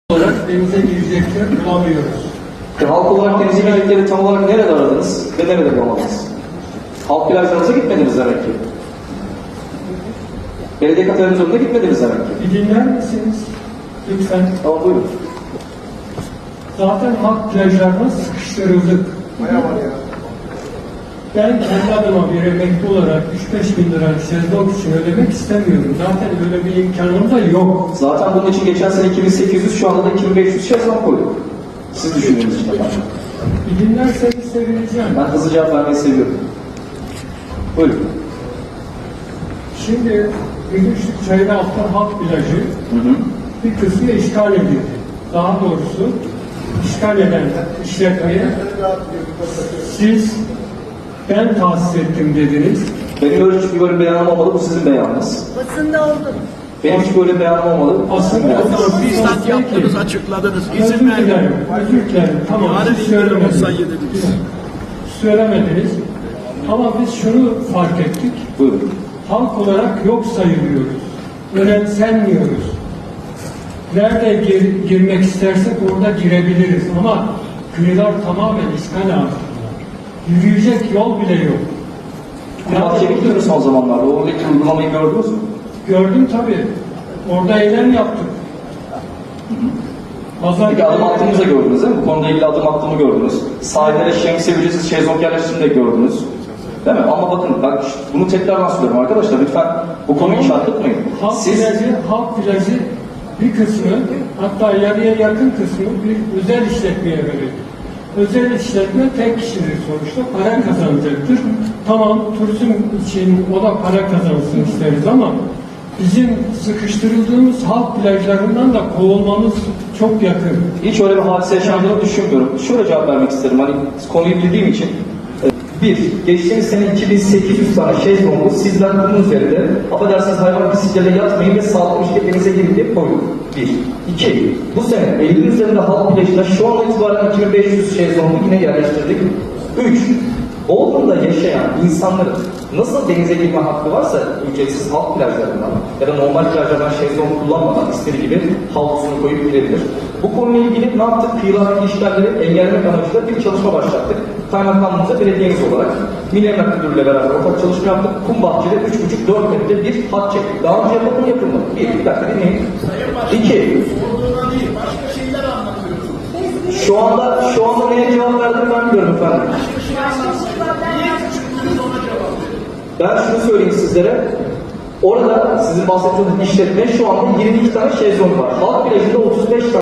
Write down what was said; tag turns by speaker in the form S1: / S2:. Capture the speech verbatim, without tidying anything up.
S1: olarak denize girecekler bulamıyoruz.
S2: E, halk olarak denize girdikleri tam olarak nerede aradınız ve nerede bulamadınız? Halk plajlarınıza gitmediniz demek ki. Belediye kafelerinin önüne gitmediniz demek ki.
S1: Bir dinler misiniz? Lütfen.
S2: Tamam, buyurun.
S1: Zaten halk plajlarına sıkıştırıldık.
S3: Bayağı var ya.
S1: Ben kendi adıma bir emekli olarak üç beş bin lira şezlong için ödemek istemiyorum. Zaten öyle bir imkanım da yok.
S2: Zaten bunun için geçen sene iki bin sekiz yüz, şu anda da iki bin beş yüz şezlong koyduk. Siz düşündüğünüz için efendim.
S1: Bir dinlerseniz sevineceğim.
S2: Ben hızlı cevap vermeyi seviyorum. Buyurun.
S1: Şimdi Gümüşlük Çayıraltı Halk Plajı
S2: Hı hı.
S1: bir kısmı işgal edildi. Daha doğrusu işgal eden işletmeyi siz ben tahsis ettim dediniz.
S2: Benim öyle hiçbir böyle beyanım olmadı, bu sizin beyanınız.
S4: Basında oldu.
S2: Benim hiç böyle beyanım olmadı, bu sizin
S1: Aslında
S2: beyanınız.
S1: o zaman
S3: Bizzat yaptınız, açıkladınız.
S1: Özür
S3: İzin
S1: dilerim,
S3: verdim.
S1: özür dilerim. Tamam,
S3: Yarın
S1: siz
S3: indirim
S1: söylemediniz.
S3: olsaydı dediniz.
S1: Söylemediniz. Ama biz şunu fark ettik.
S2: Buyurun.
S1: Halk olarak yok sayılıyoruz. Önemsenmiyoruz. Nerede gir- girmek istersek orada girebiliriz. Ama kıyılar tamamen işgal altında. Yürüyecek yol bile yok.
S2: Bu bahçeye gittiniz son zamanlarda, oradaki uygulamayı gördünüz mü?
S1: Gördüm tabii. Orada eylem yaptık. Pazar
S2: Peki adım attığımızı da gördünüz değil mi? Bu konuda ilgili adım attığımı gördünüz. Sahillere şemsiye ücretsiz şezlong yerleştirdiğini de gördünüz. Değil mi? Ama bakın, bak bunu tekrardan söylüyorum arkadaşlar, lütfen bu konuyu çarpıtmayın.
S1: Halk
S2: Siz
S1: plajı, halk plajı bir kısmı, hatta yarıya yakın kısmı bir özel işletmeye verildi. Özel işletme tek kişidir sonuçta, para kazanacaktır. Tamam, turizm için o da para kazansın isteriz ama bizim sıkıştırıldığımız halk plajlarından da kovulmamız çok yakın.
S2: hiç öyle bir hadise yaşandığını düşünmüyorum. Şöyle cevap vermek isterim, hani konuyu bildiğim için. Bir, geçtiğimiz sene iki bin sekiz yüz tane şezlongu sizler bunun üzerinde affedersiniz hayvan pisliklerine yatmayın ve sağlıklı şirketlerinize girin diye koyduk. Bir. İki, bu sene Eylül üzerinde halk plajına şu an itibaren iki bin beş yüz şezlongu yine yerleştirdik. Üç, Bodrum'da yaşayan insanların nasıl denize girme hakkı varsa ücretsiz halk plajlarından ya da normal plajlardan şezlong kullanmadan istediği gibi havlusunu koyup girebilir. Bu konuyla ilgili ne yaptık? Kıyılardaki işgalleri engellemek amacıyla bir çalışma başlattık. Kaymakamlığımıza belediyemiz olarak Milli Emlak Müdürlüğü'yle beraber ortak çalışma yaptık. Kum Bahçe'de üç buçuk dört metre bir hat çektik. Daha önce yapıldı mı yapılmadı? Bir, bir dakika dinleyin. İki, şu anda, şu anda neye cevap verdim ben biliyorum efendim. Ben şunu söyleyeyim sizlere. Orada sizin bahsettiğiniz işletme şu anda yirmi iki tane şezlong var. Halk plajında otuz beş tane